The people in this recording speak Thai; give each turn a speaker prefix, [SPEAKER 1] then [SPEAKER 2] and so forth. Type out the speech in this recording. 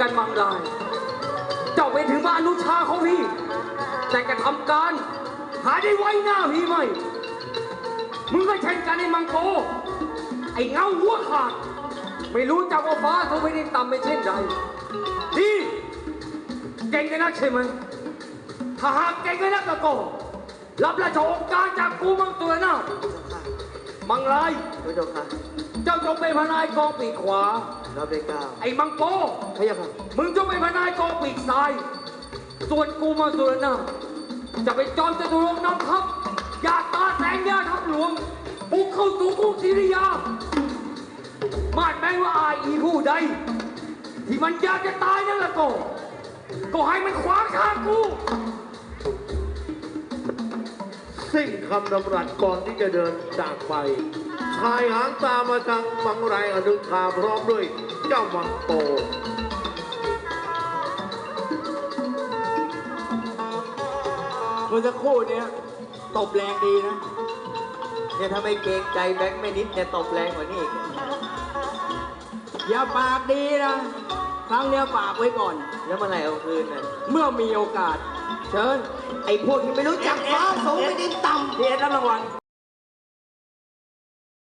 [SPEAKER 1] กันมังลายเจ้าไปถึงบ้านอนุชาของพี่แต่กระทำการหาได้ไว้หน้าพี่ไหมมึงก็เช่นกันไอ้มังโกไอ้เงาหัวขาดไม่รู้จักว่าฟ้าเขาไม่ได้ต่ำไม่เช่นใดดีเก่งกันนักใช่ไหมถ้าหากเก่งกันนักก็รับราชองค์การจากกูมังตัวหน้ามังลาย
[SPEAKER 2] พระเจ้าค่ะ
[SPEAKER 1] เจ้าจงเป็นพนายกองปีกขวา
[SPEAKER 2] รับได้เก้า
[SPEAKER 1] ไอ้มังโก
[SPEAKER 2] พระเจ้าค่ะ
[SPEAKER 1] มึงจงเป็นพนายกองปีกซ้าย ส่วนกูมังตัวหน้าจะเป็นจอมจตุรงค์นำทัพยาตาแสงยาทัพหลวงบุกเข้าสู่กรุงศรีริยามาดแม้ว่าอายอีผู้ใดที่มันอยากจะตายนั่นละก็ให้มันขวางทางกู
[SPEAKER 3] สิ้นคำดำรัสก่อนที่จะเดินจากไปชายหางตามมาทางมังไรอนุชาพร้อมด้วยเจ้ามังโต
[SPEAKER 4] เมื่อสักครู่เนี้ยตบแรงดีนะ
[SPEAKER 2] เนี่ยถ้าไม่เกรงใจแบงค์ไม่นิดเนี่ยตบแรงกว่านี้อีก
[SPEAKER 4] อย่าปากดีนะ ครั้งเนี้ยฝากไว้ก่อน
[SPEAKER 2] แล้วเมื่อไหร่เอาคืนน่ะ
[SPEAKER 4] เมื่อมีโอกาส เชิญ
[SPEAKER 2] ไอ้พวกที่ไม่รู้จักฟ้าสูงไม่ดินต่ำ
[SPEAKER 4] พี่เอ็ดรับรางวัล